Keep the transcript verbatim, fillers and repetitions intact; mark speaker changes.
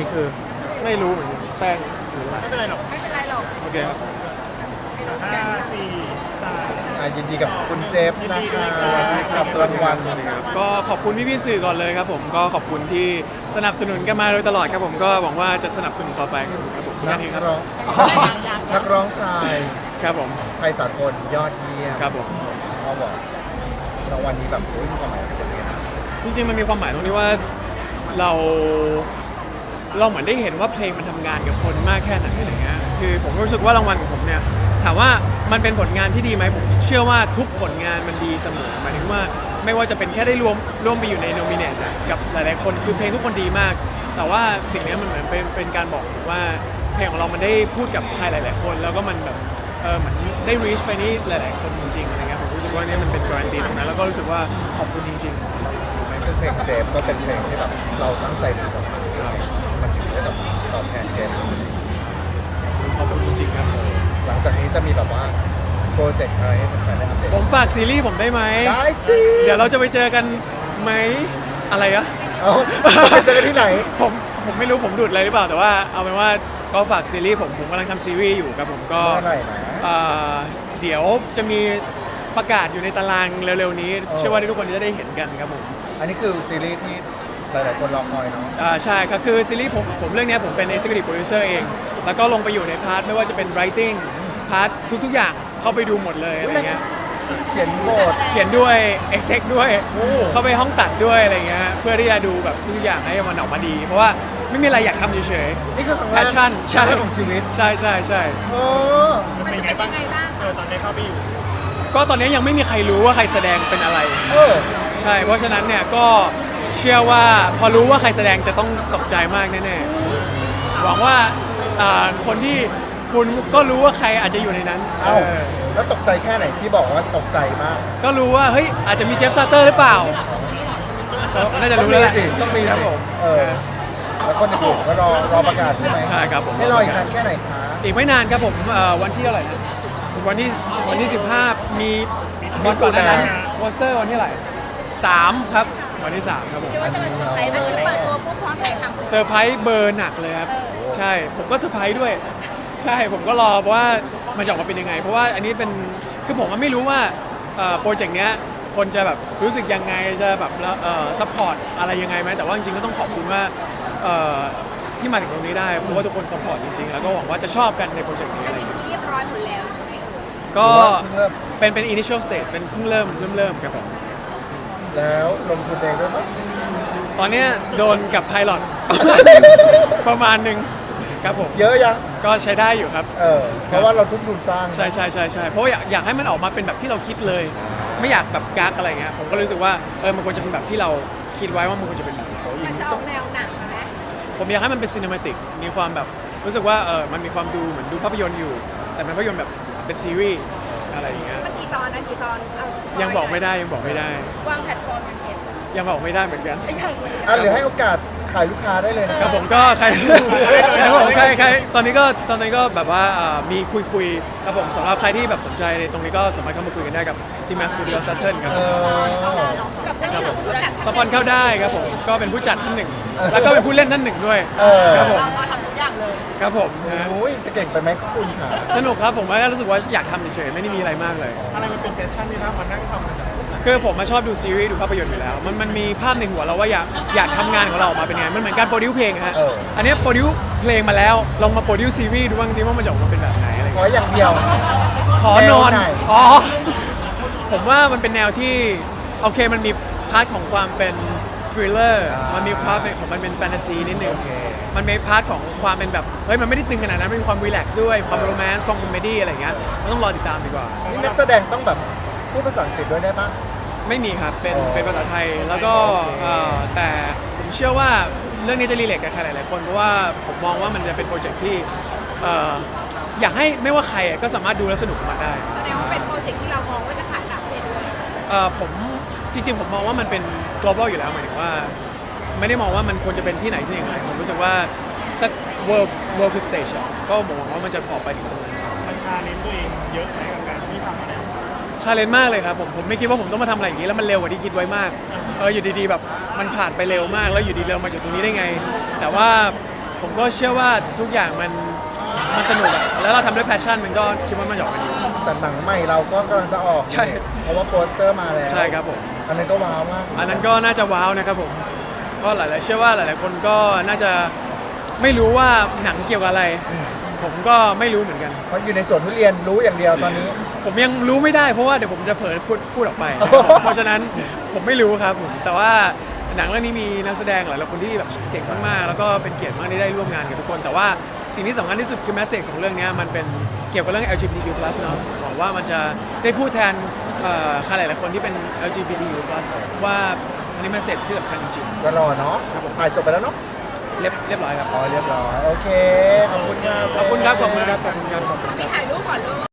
Speaker 1: นี้คือ
Speaker 2: ไม่รู้เหมือนกันแป้งหรืออะไร
Speaker 3: ไม่เป็นไรหรอก
Speaker 4: ไม่เป็นไรหรอก
Speaker 2: โอเคครับ
Speaker 4: ไม่รู้
Speaker 3: ห้า
Speaker 4: กัน
Speaker 3: สี่สาม
Speaker 1: อ่ะยินดีกับคุณเจฟนะคะกับ
Speaker 2: ส
Speaker 1: รางวัล
Speaker 2: สวัสดีครับก็ขอบคุณพี่พี่ๆสื่อก่อนเลยครับผมก็ขอบคุณที่สนับสนุนกันมาโดยตลอดครับผมก็หวังว่าจะสนับสนุนต่อไปครับผม
Speaker 1: นั
Speaker 2: แค่
Speaker 1: ก
Speaker 2: นี้ครับ
Speaker 1: ร้องนักร้องชาย
Speaker 2: ครับผม
Speaker 1: ไทยสากลยอดเยี่ยม
Speaker 2: ครับผม
Speaker 1: เขาบอกรางวัลนี้แบบโอ้ยมีความหมายกับคนเรียน
Speaker 2: จริงๆมันมีความหมายตรงที่ว่าเราเราเหมือนได้เห็นว่าเพลงมันทำงานกับคนมากแค่ไหนอะไรเงี้ยคือผมรู้สึกว่ารางวัลของผมเนี่ยถามว่ามันเป็นผลงานที่ดีไหมผมเชื่อว่าทุกผลงานมันดีเสมอหมายถึงว่าไม่ว่าจะเป็นแค่ได้รวมร่วมไปอยู่ในโนมิเนตกับหลายๆคนคือเพลงทุกคนดีมาก แต่ว่าสิ่งนี้มันเหมือนเป็นเป็นการบอกผมว่าเพลงของเรามันได้พูดกับใครหลาย ๆ คน แล้วก็มันแบบเออเหมือนได้ reach ไปนี่หลาย ๆ คนจริงๆอะไรเงี้ยผมรู้สึกว่านี่มันเป็นการันตีตรงนั้นแล้วก็รู้สึกว่าขอบคุณจริงๆสำหรับ
Speaker 1: ซึ่งเพลงเจฟก็เป็นเพลงที่แบบเราตั้งใจทำออกมามันถึงได้แบบตอบแทนเจฟ
Speaker 2: ขอบคุณจริงๆครับ
Speaker 1: หลังจากนี้จะมีแบบว่าโปรเจกต์อะไรให้แฟนๆได้อัปเดต
Speaker 2: ผมฝากซีรีส์ผมได้ไหม
Speaker 1: ได้สิ
Speaker 2: เดี๋ยวเราจะไปเจอกันไหมอะไรอะ
Speaker 1: เอาไปเจอกันที่ไหน
Speaker 2: ผมผมไม่รู้ผมดูดอะไรหรือเปล่าแต่ว่าเอาเป็นว่าก็ฝากซีรีส์ผมผมกำลังทำซีรีส์อยู่ครับผมก็
Speaker 1: เมื่อไหร่นะ
Speaker 2: เอ่อเดี๋ยวจะมีประกาศอยู่ในตารางเร็วๆนี้
Speaker 1: เออ
Speaker 2: เชื่อว่าทุกคนจะได้เห็นกันครับผม
Speaker 1: อันนี้คือซีรีส์ที่หลายๆคนรอคอยเนาะ
Speaker 2: อ่าใช่ครับคือซีรีส์ผมผมเรื่องเนี้ยผมเป็น executive producer เอง แล้วก็ลงไปอยู่ในพาร์ทไม่ว่าจะเป็น writing พาร์ททุกๆอย่างเข้าไปดูหมดเลยอะไรเงี้ย
Speaker 1: เขียนบท
Speaker 2: เขียนด้วย exec ด้วย
Speaker 1: โอ้
Speaker 2: เข้าไปห้องตัดด้วยอะไรเงี้ยเพื่อที่จะดูแบบทุกอย่างให้มันออกมาดี เพราะว่าไม่มีอะไรอยากทำเฉย
Speaker 1: นี่คือครั้งแรก
Speaker 2: passion ใช่
Speaker 1: ครั้งแรกของชีวิต
Speaker 2: ๆใช่ใช่ใช่
Speaker 1: โอ้
Speaker 3: มันเป็นไงบ้างเออตอนนี้เข้าไปอยู่
Speaker 2: ก็ตอนนี้ยังไม่มีใครรู้ว่าใครแสดงเป็นอะไร
Speaker 1: เออ
Speaker 2: ใช่ เพราะฉะนั้นเนี่ยก็เชื่อว่าพอรู้ว่าใครแสดงจะต้องตกใจมากแน่ๆหวังว่าอ่าคนที่คุณก็รู้ว่าใครอาจจะอยู่ในนั้น
Speaker 1: เอ้า
Speaker 2: เออ
Speaker 1: แล้วตกใจแค่ไหนที่บอกว่าตกใจมาก
Speaker 2: ก็รู้ว่าเฮ้ยอาจจะมีเจฟซาเตอร์หรือเปล่าก็น่าจะรู้แล้วแหละ
Speaker 1: ต้องมีสิ
Speaker 2: ครับผม
Speaker 1: เออ แล้วคนอื่นๆก็รอรอประกาศใช่ไหม
Speaker 2: ใช่ครับผม
Speaker 1: ให้รออีกนานแค่ไหนคะ
Speaker 2: อีกไม่นานครับผมเอ่อวันที่เท่าไหร่นะวันที่วันที่สิบห้ามีวันก่อนหน้านั้นโปสเตอร์วันที่เท่าไหร่สามครับวันที่สามครับผม
Speaker 1: อันนี้เนาะ
Speaker 4: อันนี้เปิดตัวปุ๊บพร้อมถ่ายทำ
Speaker 2: เซอร์ไพรส์เบอร์หนักเลยครับใช่ผมก็เซอร์ไพรส์ด้วย ใช่ผมก็รอว่ามันจะออกมาเป็นยังไง เพราะว่าอันนี้เป็นคือผมก็ไม่รู้ว่าโปรเจกต์เนี้ยคนจะแบบรู้สึกยังไงจะแบบซัพพอร์ตอะไรยังไงไหมแต่ว่าจริงๆก็ต้องขอบคุณว่าเอ่อที่มาถึงตรงนี้ได้เพราะว่าทุกคนซัพพอร์ตจริงๆแล้วก็หวังว่าจะชอบกันในโปรเจกต์นี้
Speaker 4: อั
Speaker 2: อะ
Speaker 4: น
Speaker 2: ไรอ
Speaker 4: นี้
Speaker 2: ย่าง
Speaker 4: คือ
Speaker 2: เงี้ย
Speaker 4: เรียบร้อยหมดแล้วใช่ไหมเอ่ย
Speaker 2: ก็
Speaker 1: เริ่ม
Speaker 2: เป็นเป็น initial stage เป็นเพิ่งเริ่มเริ่มเริ่มครับผม
Speaker 1: แล้วลงทุนเองด้วยปะ
Speaker 2: ตอนเนี้ยโดนกับไพลอต ประมาณหนึ่งครับผม
Speaker 1: เยอะยัง
Speaker 2: ก็ใช้ได้อยู่ครับ
Speaker 1: เออ เพราะว่าเราทุนทุนสร้าง
Speaker 2: ใช่ใช่ใช่ใช่เพราะว่าอยากอยากให้มันออกมาเป็นแบบที่เราคิดเลย ไม่อยากแบบกักอะไรเงี้ยผมก็รู้สึกว่าเออมันควรจะเป็นแบบที่เราคิดไว้ว่ามันควรจะเป็นแบบไหน
Speaker 4: มันจะออกแนวหนังไหม
Speaker 2: ผมอยากให้มันเป็นซีนิมาติกมีความแบบรู้สึกว่าเออมันมีความดูเหมือนดูภาพยนตร์อยู่ แต่เป็นภาพยนตร์แบบเป็นซีรีส์อะไรอย่างเงี้ย
Speaker 4: มันกี่ตอนนะกี่ตอนเอา
Speaker 2: ยังบอกไม่ได้ยังบอกไม่ได้
Speaker 4: วางแพลตฟอร์มกันเก็บ
Speaker 2: ยังบอกไม่ได้เหมือนกัน
Speaker 1: อ่ะหรือให้โอกาสขายลูกค้าได้เลยนะ
Speaker 2: ครับผมก็ใคร ครับผมใครใครตอนนี้ก็ตอนนี้ก็แบบว่าอ่ามีคุยคุยๆครับผมสำหรับใครที่แบบสนใจตรงนี้ก็สามารถเข้ามาคุยกันได้กับที่มาสตูดิโอซัตเทิลครับ
Speaker 1: เออ
Speaker 4: กับอันนี้คือผู้จัด
Speaker 2: สปอนเข้าได้ครับผมก็เป็นผู้จัดท่านหนึ่ง แล้วก็เป็นผู้เล่นท่านหนึ่งด้วย
Speaker 1: เออ
Speaker 2: ครับผม
Speaker 4: เราทำทุกอย่างเลย
Speaker 2: ครับผมนะฮะ
Speaker 1: โอ้ยจะเก่งไปไหมคุณค่ะ
Speaker 2: สนุกครับผมว่ารู้สึกว่าอยากทำเฉยๆไม่ได้มีอะไรมากเลย
Speaker 3: อะไรมันเป็นแพชชั่นที่เรามานั่งทำกัน
Speaker 2: คือผมมาชอบดูซีรีส์ดูภาพยนตร์อยู่แล้ว มันมันมีภาพในหัวเราว่าอยากอยากทำงานของเราออกมาเป็นไง มันเหมือนการโปรดิวเพลงอะฮะ
Speaker 1: เออ
Speaker 2: อันเนี้ยโปรดิวเพลงมาแล้วลองมาโปรดิวซีรีส์ดูบ้างทีว่ามันจะออกมาเป็นแบบไหนอะไร
Speaker 1: ขอ
Speaker 2: เงี้ย
Speaker 1: อย่างเดียว
Speaker 2: ขอนอน
Speaker 1: แนวไหน
Speaker 2: อ๋อ ผมว่ามันเป็นแนวที่โอเคมันมีพาร์ทของความเป็นทริลเลอร์ มันมีพาร์ทของมันเป็นแฟนตาซีนิดนึง
Speaker 1: โอเค
Speaker 2: มันมีพาร์ทของความเป็นแบบเฮ้ยมันไม่ได้ตึงขนาดนั้นมันมีความรีแลกซ์ด้วยความโรแมนต์ความคอมเมดี้อะไรเงี้ยมันต้องรอติดตามดีกว่า
Speaker 1: นี่นักแสดงต้องแบบพูดภาษาอังกฤษด้วยได้ปะ
Speaker 2: ไม่มีครับ เป็น
Speaker 1: อ๋อ
Speaker 2: เป็นภาษาไทย แล้วก็
Speaker 1: โอเค
Speaker 2: เอ่อแต่ผมเชื่อว่าเรื่องนี้จะรีเลทกับใครหลายๆคน เพราะว่าผมมองว่ามันจะเป็นโปรเจกต์ที่เอ่ออยากให้ไม่ว่าใครก็สามารถดูและสนุกกับมันได้
Speaker 4: แสดงว่าเป็นโปรเจกต์ที่เรามองว่าจะขายต่างประเทศด้วย
Speaker 2: เอ่อผมจริงๆ ผมมองว่ามันเป็น global อยู่แล้วหมายถึงว่า ไม่ได้มองว่ามันควรจะเป็นที่ไหนที่ไหนผมรู้สึกว่าสัก world world stage อะก็มองว่ามันจะออกไปถึงตรงนั้น
Speaker 3: มันชาเลนจ์ตัวเองเยอะในการที่ทำอะไร
Speaker 2: ชาเลนจ์มากเลยครับผมผมไม่คิดว่าผมต้องมาทำอะไรอย่างนี้แล้วมันเร็วกว่าที่คิดไว้มากเอออยู่ดีๆแบบมันผ่านไปเร็วมากแล้วอยู่ดีๆเรามาถึงตรงนี้ได้ไง แต่ว่าผมก็เชื่อว่าทุกอย่างมันมันสนุกอะแล้วเราทำด้วยแพชชั่นมันก็คิดว่ามันจะออกมาดี
Speaker 1: แต่หนังใหม่เราก็กำลังจะออก
Speaker 2: ใช่
Speaker 1: เพราะว่าโปสเตอร์มาแล้ว
Speaker 2: ใช่ครับผม
Speaker 1: อันนั้นก็ว้าวมาก
Speaker 2: อันนั้นก็น่าจะว้าวนะครับผมก็หลายๆเชื่อว่าหลาย ๆ คนก็น่าจะไม่รู้ว่าหนังเกี่ยวกับอะไร ผมก็ไม่รู้เหมือนกัน
Speaker 1: เพราะอยู่ในสวนทุเรียนรู้อย่างเดียวตอนนี้
Speaker 2: ผมยังรู้ไม่ได้เพราะว่าเดี๋ยวผมจะเผลอพูดพูดออกไป เพราะฉะนั้นผมไม่รู้ครับผมแต่ว่าหนังเรื่องนี้มีนักแสดงหลายๆคนที่แบบเก่งมากๆแล้วก็เป็นเกียรติมากที่ได้ร่วมงานกับทุกคน แต่ว่าสิ่งที่สำคัญที่สุดคือแมสเซจของเรื่องนี้มันเป็นเกี่ยวกับเรื่อง แอล จี บี ที คิว พลัส เนาะหวังว่ามันจะได้พูดแทนเอ่อใครหลายๆคนที่เป็น แอล จี บี ที คิว พลัส ว่าอันนี้แมสเซจที่สำคัญจริง
Speaker 1: ก็รอเนาะถ่ายจบไปแล้วเนาะ
Speaker 2: ๆเรียบเรียบร้อยครับ
Speaker 1: อ๋อเรียบร้อยโอเคขอบคุณค่ะ
Speaker 2: ขอบคุณครับขอบคุณครับขอบคุณครับ
Speaker 4: มีถ่ายรูปก่อนลูก